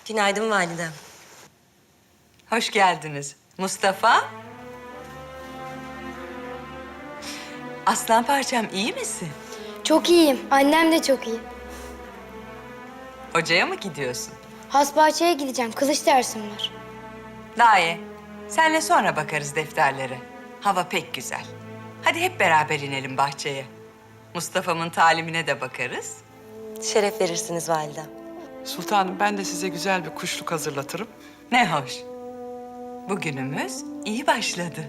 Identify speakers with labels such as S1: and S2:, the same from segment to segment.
S1: Günaydın validem.
S2: Hoş geldiniz. Mustafa. Aslan parçam iyi misin?
S3: Çok iyiyim. Annem de çok iyi.
S2: Hocaya mı gidiyorsun?
S3: Hasbahçe'ye gideceğim. Kılıç dersim var.
S2: Daye, senle sonra bakarız defterlere. Hava pek güzel. Hadi hep beraber inelim bahçeye. Mustafa'mın talimine de bakarız.
S1: Şeref verirsiniz validem.
S4: Sultanım ben de size güzel bir kuşluk hazırlatırım.
S2: Ne hoş. Bugünümüz iyi başladı.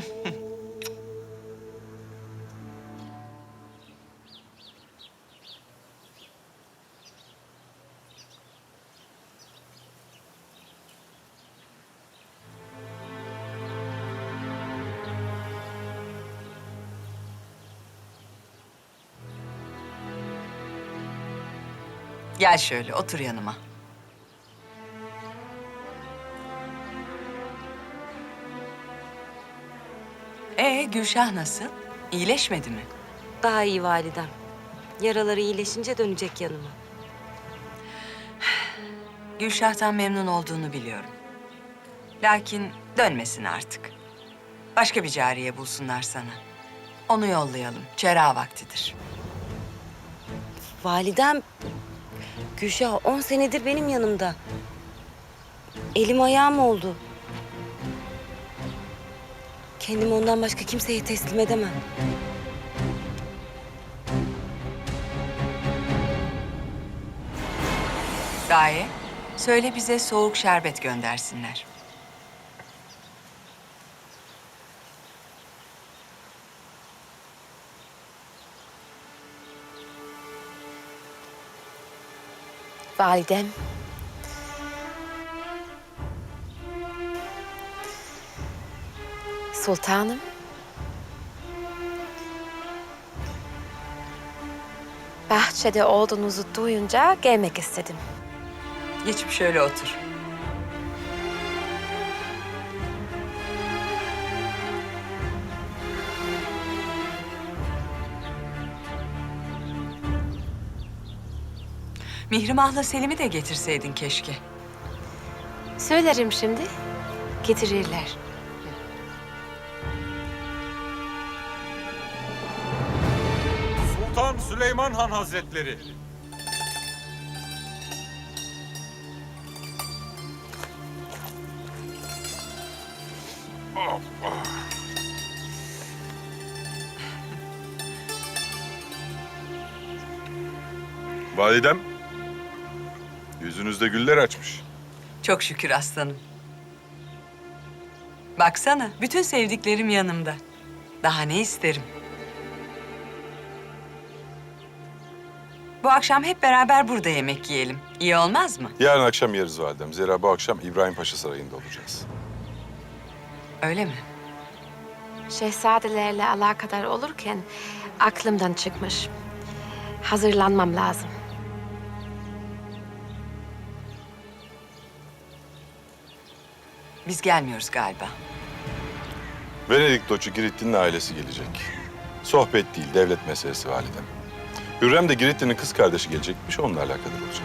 S2: Gel şöyle otur yanıma. Gülşah nasıl? İyileşmedi mi?
S1: Daha iyi validem. Yaraları iyileşince dönecek yanıma.
S2: Gülşah'tan memnun olduğunu biliyorum. Lakin dönmesin artık. Başka bir cariye bulsunlar sana. Onu yollayalım. Çera vaktidir.
S1: Validem, Gülşah 10 senedir benim yanımda. Elim ayağım oldu. Kendimi ondan başka kimseye teslim edemem.
S2: Daye, söyle bize soğuk şerbet göndersinler.
S1: Validem. Sultanım.
S5: Bahçede olduğunuzu duyunca gelmek istedim.
S2: Geçip şöyle otur. Mihrimah'la Selim'i de getirseydin keşke.
S5: Söylerim şimdi, getirirler.
S6: Sultan Süleyman Han Hazretleri.
S7: Validem, yüzünüzde güller açmış.
S2: Çok şükür aslanım. Baksana, bütün sevdiklerim yanımda. Daha ne isterim? Bu akşam hep beraber burada yemek yiyelim. İyi olmaz mı?
S7: Yarın akşam yeriz validem. Zira bu akşam İbrahim Paşa Sarayı'nda olacağız.
S2: Öyle mi?
S5: Şehzadelerle alakadar olurken aklımdan çıkmış. Hazırlanmam lazım.
S2: Biz gelmiyoruz galiba.
S7: Venedik Doçu Giritli'nin ailesi gelecek. Sohbet değil, devlet meselesi validem. Hürrem de Giritli'nin kız kardeşi gelecekmiş, onunla alakadar olacak.